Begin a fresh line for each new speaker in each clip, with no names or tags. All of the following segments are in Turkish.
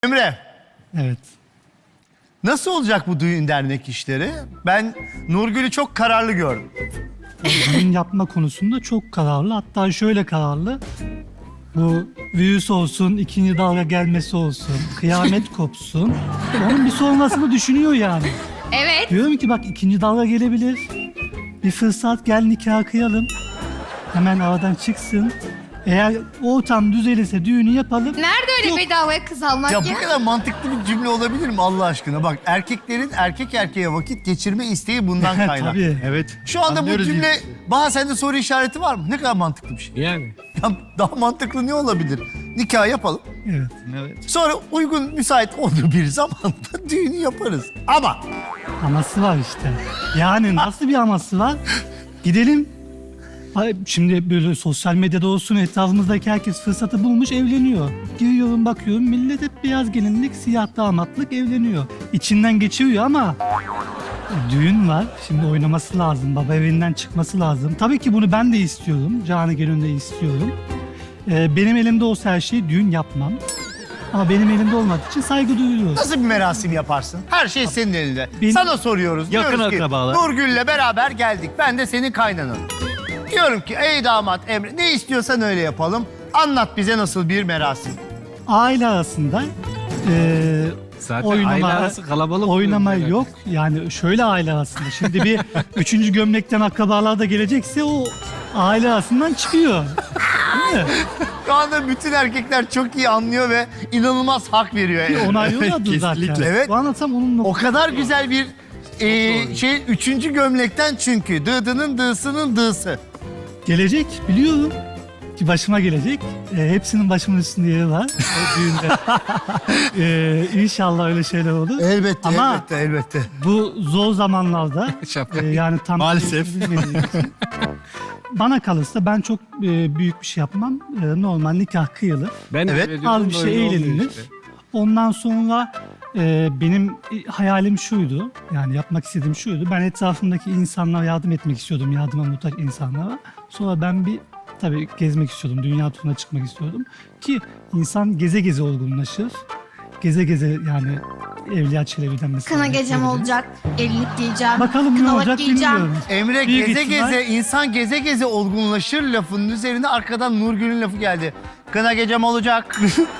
Emre,
Evet.
nasıl olacak bu düğün dernek işleri? Ben Nurgül'ü çok kararlı gördüm.
Düğün yapma konusunda çok kararlı. Hatta şöyle kararlı. Bu virüs olsun, ikinci dalga gelmesi olsun, kıyamet kopsun. Onun bir sonrasını düşünüyor yani.
Evet.
Diyorum ki bak ikinci dalga gelebilir. Bir fırsat gel nikah kıyalım. Hemen aradan çıksın. Eğer ortam düzelirse düğünü yapalım.
Nerede öyle
Yok.
bedavaya kız almak ya?
Ya bu kadar mantıklı bir cümle olabilir mi Allah aşkına? Bak erkeklerin erkek erkeğe vakit geçirme isteği bundan kaynaklı.
Tabii.
Evet.
Şu anda bu
Anlıyoruz
cümle,
biz.
Baha sende soru işareti var mı? Ne kadar mantıklı bir şey.
Yani.
Ya daha mantıklı ne olabilir? Nikah yapalım.
Evet.
Evet.
Sonra uygun, müsait olduğu bir zamanda düğünü yaparız. Ama
Aması var işte. Yani nasıl bir aması var? Gidelim. Ay, şimdi böyle sosyal medyada olsun etrafımızdaki herkes fırsatı bulmuş evleniyor. Giriyorum bakıyorum millet hep beyaz gelinlik, siyah damatlık evleniyor. İçinden geçiriyor ama düğün var. Şimdi oynaması lazım. Baba evinden çıkması lazım. Tabii ki bunu ben de istiyorum. Canı gönülden istiyorum. Benim elimde olsa her şeyi düğün yapmam. Ama benim elimde olmadığı için saygı duyuyoruz.
nasıl bir merasim yaparsın? Her şey senin elinde.
Benim-
Sana soruyoruz.
Yakın
Diyoruz ki,
akrabalar.
Nurgül'le beraber geldik. Ben de senin kaynananım. Diyorum ki ey damat Emre ne istiyorsan öyle yapalım. Anlat bize nasıl bir merasim.
Aile arasında
Zaten aile arası kalabalık.
oynama
oluyor.
yok. Yani şöyle aile arasında. Şimdi bir üçüncü gömlekten akrabalar da gelecekse o aile arasından çıkıyor. Değil mi?
Şu anda bütün erkekler çok iyi anlıyor ve inanılmaz hak veriyor.
Bir onaylıyorlardı zaten.
Kesinlikle.
Evet.
Bu anlatsam onunla...
O kadar güzel bir üçüncü gömlekten çünkü. Dıdının dığsının dığsı.
Gelecek biliyorum. Ki başıma gelecek. Hepsinin başımın üstünde yeri var. O düğünde. İnşallah öyle şeyler olur.
Elbette,
Ama
elbette, elbette.
bu zor zamanlarda
Şapka.
yani tam
Maalesef.
bilmediğim için, bana kalırsa ben çok büyük bir şey yapmam. Normal nikah kıyılır.
Ben
Evet.
öyle diyorum,
Az bir şey
öyle oluyor
eğlenilir.
işte.
Ondan sonra benim hayalim şuydu. Yani yapmak istediğim şuydu. Ben etrafımdaki insanlara yardım etmek istiyordum. Yardıma muhtaç insanlara. Sonra ben tabii gezmek istiyordum. Dünya turuna çıkmak istiyordum. Ki insan geze geze olgunlaşır. Geze geze yani Evliya Çelebi'den mesela.
Kına gecem
bekleyebiliriz.
olacak. Gelinlik giyeceğim.
Bakalım ne
kınalık
olacak
giyeceğim.
bilmiyorum.
Emre
Büyük
geze
ihtimal-
geze, insan geze geze olgunlaşır lafının üzerine arkadan Nurgül'ün lafı geldi. Kına gecem olacak.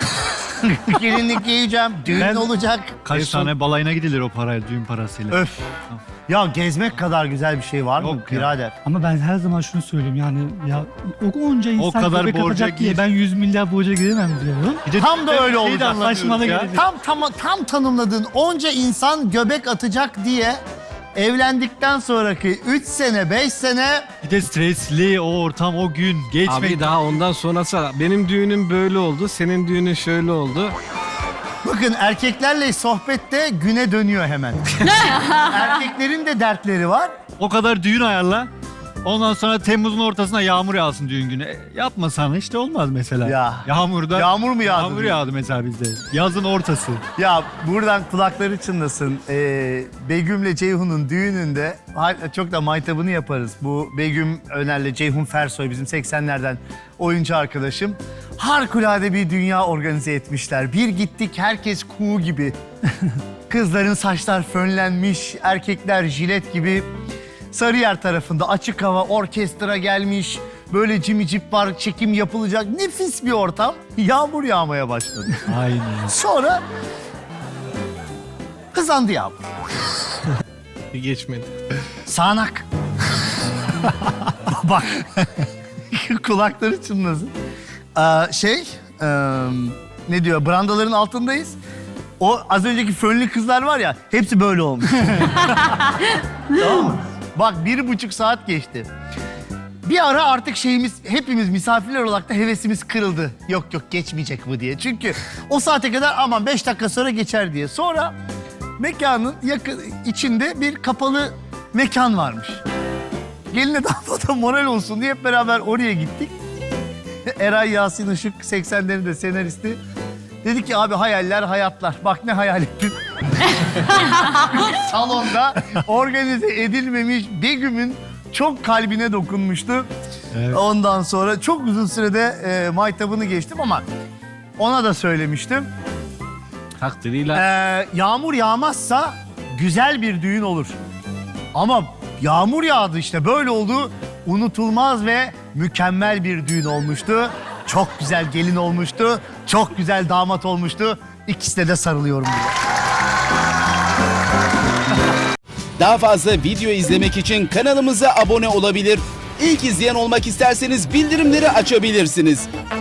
Gelinlik giyeceğim. Düğün
Ben-
olacak.
Kaç tane balayına gidilir o parayla, düğün parasıyla.
Öf. Ya gezmek kadar güzel bir şey var mı
Yok ya.
birader?
Ama ben her zaman şunu söyleyeyim yani ya onca insan
kadar
göbek
borca
atacak diye
gir.
ben 100 milyar borca giremem diyorum.
Bir de
Tam da öyle
şeyi de
olacak.
anlamıyoruz
Saçmalık
ya.
gelecek.
Tam tanımladığın onca insan göbek atacak diye evlendikten sonraki 3 sene 5 sene
Bir de stresli o ortam, o gün geçmek.
Abi daha ondan sonrası benim düğünüm böyle oldu, senin düğünün şöyle oldu.
bakın erkeklerle sohbette güne dönüyor hemen. Erkeklerin de dertleri var.
O kadar düğün ayarla. Ondan sonra Temmuz'un ortasına yağmur yağsın düğün günü. Yapmasan işte olmaz mesela.
Ya.
Yağmurda.
Yağmur mu yağdı?
Yağmur yağdı mesela bizde. Yazın ortası.
Ya buradan kulakları çınlasın. Begüm'le Ceyhun'un düğününde çok da maytabını yaparız. Bu Begüm Öner'le Ceyhun Fersoy bizim 80'lerden oyuncu arkadaşım. Harikulade bir dünya organize etmişler. Bir gittik herkes kuğu gibi. Kızların saçlar fönlenmiş, erkekler jilet gibi. Sarıyer tarafında açık hava orkestra gelmiş. Böyle cimicip var, çekim yapılacak. Nefis bir ortam. Yağmur yağmaya başladı.
Aynen.
Sonra hızlandı yağmur.
Bir geçmedi.
Sağanak. Bak. Kulakları çınlasın. Ne diyor? Brandaların altındayız. O az önceki fönlü kızlar var ya, hepsi böyle olmuş. Tamam mı? Bak 1,5 saat geçti. Bir ara artık hepimiz misafirler olarak da hevesimiz kırıldı. Yok geçmeyecek bu diye. Çünkü o saate kadar aman 5 dakika sonra geçer diye. Sonra mekanın içinde bir kapalı mekan varmış. Geline damada moral olsun diye hep beraber oraya gittik. Eray Yasin Işık 80'lerin de senaristi. Dedi ki abi hayaller hayatlar. Bak ne hayal ettin. Salonda organize edilmemiş Begüm'ün çok kalbine dokunmuştu.
Evet.
Ondan sonra çok uzun sürede maytabını geçtim ama ona da söylemiştim.
takdiriyle.
Yağmur yağmazsa güzel bir düğün olur. Ama yağmur yağdı işte böyle oldu. Unutulmaz ve mükemmel bir düğün olmuştu. Çok güzel gelin olmuştu. Çok güzel damat olmuştu. İkisine de sarılıyorum diye.
Daha fazla video izlemek için kanalımıza abone olabilir. İlk izleyen olmak isterseniz bildirimleri açabilirsiniz.